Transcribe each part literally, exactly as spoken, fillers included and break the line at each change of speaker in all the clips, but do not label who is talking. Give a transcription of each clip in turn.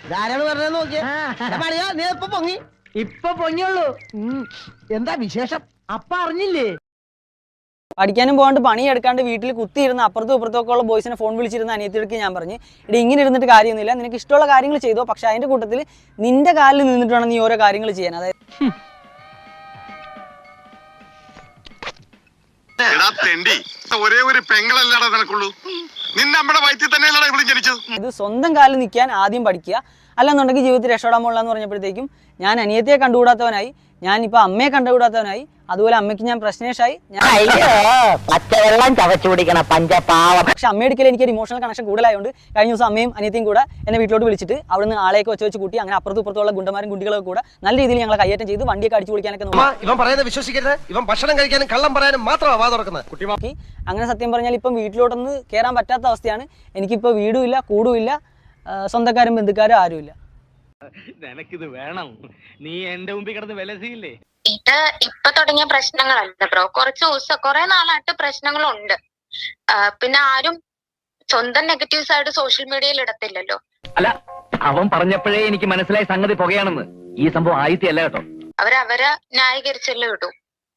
ധാരാളം പറഞ്ഞ നോക്കിയാ നീ ഇപ്പൊ പൊങ്ങി ഇപ്പൊ പൊങ്ങിയുള്ളൂ. എന്താ വിശേഷം? അപ്പ അറിഞ്ഞില്ലേ?
പഠിക്കാനും പോകാണ്ട് പണിയെടുക്കാണ്ട് വീട്ടിൽ കുത്തിയിരുന്ന അപ്പുറത്തും ഇപ്പുറത്തും ഒക്കെ ഉള്ള ബോയ്സിനെ ഫോൺ വിളിച്ചിരുന്ന അനിയത്തിയെടുക്ക് ഞാൻ പറഞ്ഞു, ഇടി ഇങ്ങനെ ഇരുന്നിട്ട് കാര്യമൊന്നുമില്ല, നിനക്ക് ഇഷ്ടമുള്ള കാര്യങ്ങൾ ചെയ്തോ, പക്ഷെ അതിന്റെ കൂട്ടത്തിൽ നിന്റെ കാലിൽ നിന്നിട്ട് വേണം നീ ഓരോ കാര്യങ്ങൾ ചെയ്യാൻ. അതായത്
ഒരേ ഒരു പെങ്ങളല്ലടാ നിനക്കുള്ളൂ, നിന്നെ നമ്മുടെ വയറ്റിൽ തന്നെയല്ലടാ ഇവിടെ ജനിച്ചത്.
ഇത് സ്വന്തം കാലിൽ നിൽക്കാൻ ആദ്യം പഠിക്കുക, അല്ലെന്നുണ്ടെങ്കിൽ ജീവിതത്തിൽ രക്ഷപ്പെടാൻ പോകില്ല എന്ന് പറഞ്ഞപ്പോഴത്തേക്കും ഞാൻ അനിയത്തിയെ കണ്ടുകൂടാത്തവനായി, ഞാനിപ്പോൾ അമ്മയെ കണ്ടുകൂടാത്തവനായി, അതുപോലെ അമ്മയ്ക്ക് ഞാൻ പ്രശ്നേഷായി.
പച്ചവെള്ളം ചവച്ചു കുടിക്കണ പഞ്ചപാവം.
പക്ഷെ അമ്മയെടുക്കൽ എനിക്കൊരു ഇമോഷണൽ കണക്ഷൻ കൂടുതലായതുകൊണ്ട് കഴിഞ്ഞ ദിവസം അമ്മയും അനിയത്തിയും കൂടെ എന്നെ വീട്ടിലോട്ട് വിളിച്ചിട്ട് അവിടുന്ന് ആളെയൊക്കെ വെച്ച് വെച്ച് കൂട്ടി, അങ്ങനെ അപ്പുറത്തും ഇപ്പുറത്തുള്ള ഗുണ്ടമാരും കുട്ടികളൊക്കെ കൂടെ നല്ല രീതിയിൽ ഞങ്ങൾ കയ്യേറ്റം ചെയ്ത് വണ്ടിയൊക്കെ അടിച്ചു പൊളിക്കാനൊക്കെ നോക്കി.
ഇവൻ പറയുന്നത് വിശ്വസിക്കരുത്, ഇവൻ ഭക്ഷണം കഴിക്കാനും കള്ളം പറയാനും മാത്രമാണ് വാ തുറക്കുന്നത്.
അങ്ങനെ സത്യം പറഞ്ഞാൽ ഇപ്പം വീട്ടിലോട്ടൊന്ന് കയറാൻ പറ്റാത്ത അവസ്ഥയാണ്. എനിക്കിപ്പോൾ വീടുമില്ല, കൂടുമില്ല, സ്വന്തക്കാരും ബന്ധുക്കാരും ആരുമില്ല.
നിനക്കിത് വേണം, നീ എന്റെ മുമ്പിൽ കിടന്ന് വിലസിയില്ലേ?
ഇത് ഇപ്പൊ തുടങ്ങിയ പ്രശ്നങ്ങളല്ല ബ്രോ, കുറച്ച് ദിവസം കുറെ നാളായിട്ട് പ്രശ്നങ്ങളുണ്ട്. പിന്നെ ആരും സ്വന്തം നെഗറ്റീവ് സൈഡ് സോഷ്യൽ മീഡിയയിൽ ഇടത്തില്ലല്ലോ.
അല്ല, അവൻ പറഞ്ഞപ്പോഴേ എനിക്ക് മനസ്സിലായി സംഗതി പുകയാണെന്ന്. ഈ സംഭവം ആയിത്തല്ല കേട്ടോ,
അവരവരെ ന്യായീകരിച്ചല്ലേ ഇടൂ.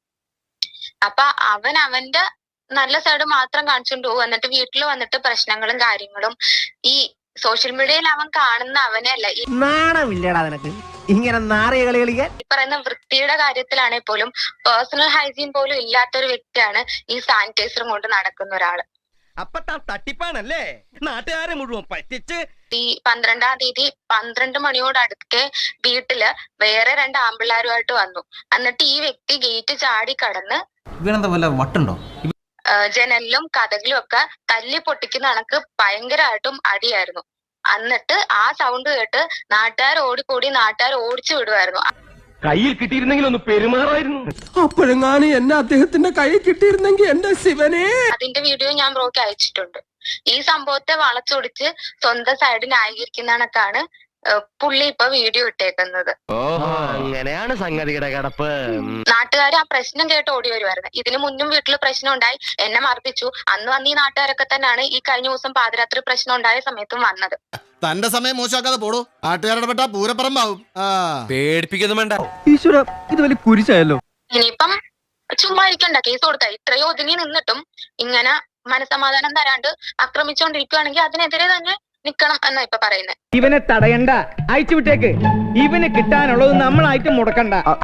അപ്പൊ അവൻ അവന്റെ നല്ല സൈഡ് മാത്രം കാണിച്ചുകൊണ്ട് പോകും, എന്നിട്ട് വീട്ടിൽ വന്നിട്ട് പ്രശ്നങ്ങളും കാര്യങ്ങളും ഈ സോഷ്യൽ മീഡിയയിൽ അവൻ കാണുന്ന അവനെ അല്ല, ഈ
നാണമില്ലടാ നിനക്ക് ഇങ്ങനെ നാറിയ കളി കളിക്കാൻ.
ഈ പറയുന്ന വൃത്തിയുടെ കാര്യത്തിലാണെങ്കിൽ പോലും പേഴ്സണൽ ഹൈജീൻ പോലും ഇല്ലാത്തൊരു വ്യക്തിയാണ് ഈ സാനിറ്റൈസറും കൊണ്ട് നടക്കുന്ന ഒരാള്.
അപ്പൊ തട്ടിപ്പാണല്ലേ, നാട്ടുകാരെ മുഴുവൻ പറ്റിച്ച്.
ഈ പന്ത്രണ്ടാം തീയതി പന്ത്രണ്ട് മണിയോട് അടുക്കെ വീട്ടില് വേറെ രണ്ട് ആമ്പിള്ളാരുമായിട്ട് വന്നു. എന്നിട്ട് ഈ വ്യക്തി ഗേറ്റ് ചാടി കടന്ന്
ഇവനെന്താ വല്ല വട്ടുണ്ടോ?
ജനലിലും കഥകിലും ഒക്കെ തല്ലി പൊട്ടിക്കുന്ന കണക്ക് ഭയങ്കരമായിട്ടും അടിയായിരുന്നു. എന്നിട്ട് ആ സൗണ്ട് കേട്ട് നാട്ടുകാർ ഓടിക്കൂടി നാട്ടുകാർ ഓടിച്ചു വിടുമായിരുന്നു.
കയ്യിൽ കിട്ടിയിരുന്നെങ്കിൽ ഒന്ന് പെരുമാറായിരുന്നു.
അപ്പോഴെങ്ങാനും എന്നെ അദ്ദേഹത്തിന്റെ കൈ കിട്ടിയിരുന്നെങ്കിൽ എന്റെ ശിവനെ.
അതിന്റെ വീഡിയോ ഞാൻ ബ്രോക്ക് അയച്ചിട്ടുണ്ട്. ഈ സംഭവത്തെ വളച്ചൊടിച്ച് സ്വന്തം സൈഡ് ന്യായീകരിക്കുന്ന കണക്കാണ് പുള്ളി ഇപ്പൊ വീഡിയോ ഇട്ടേക്കുന്നത്.
അങ്ങനെയാണ് സംഗതിയുടെ കിടപ്പ്.
നാട്ടുകാർ ആ പ്രശ്നം കേട്ട് ഓടി വരുമായിരുന്നു. ഇതിനു മുന്നും വീട്ടിൽ പ്രശ്നം ഉണ്ടായി, എന്നെ മർദ്ദിച്ചു. അന്ന് വന്ന് ഈ നാട്ടുകാരൊക്കെ തന്നെയാണ് ഈ കഴിഞ്ഞ ദിവസം പാതിരാത്രി പ്രശ്നം ഉണ്ടായ സമയത്തും വന്നത്.
തന്റെ സമയം മോശമാക്കാതെ പോടോ, നാട്ടുകാരുടെ പെട്ട പൂരപ്പറമ്പാവും.
പേടിപ്പിക്കൊന്നും വേണ്ട. ഈശ്വര, ഇത് വലിയ കുരിശായല്ലോ.
ഇനിയിപ്പം ചുമ്മാ ഇരിക്കണ്ട, കേസ് കൊടുത്ത ഇത്രയോ ഒതുങ്ങി നിന്നിട്ടും ഇങ്ങനെ മനസമാധാനം തരാണ്ട് ആക്രമിച്ചുകൊണ്ടിരിക്കുകയാണെങ്കിൽ അതിനെതിരെ തന്നെ നിക്കണം എന്നാ ഇപ്പൊ പറയുന്നത്.
ഇവനെ തടയണ്ട, അയച്ചു വിട്ടേക്ക്. ഇവന് കിട്ടാനുള്ളത് നമ്മളായിട്ട് മുടക്കണ്ട.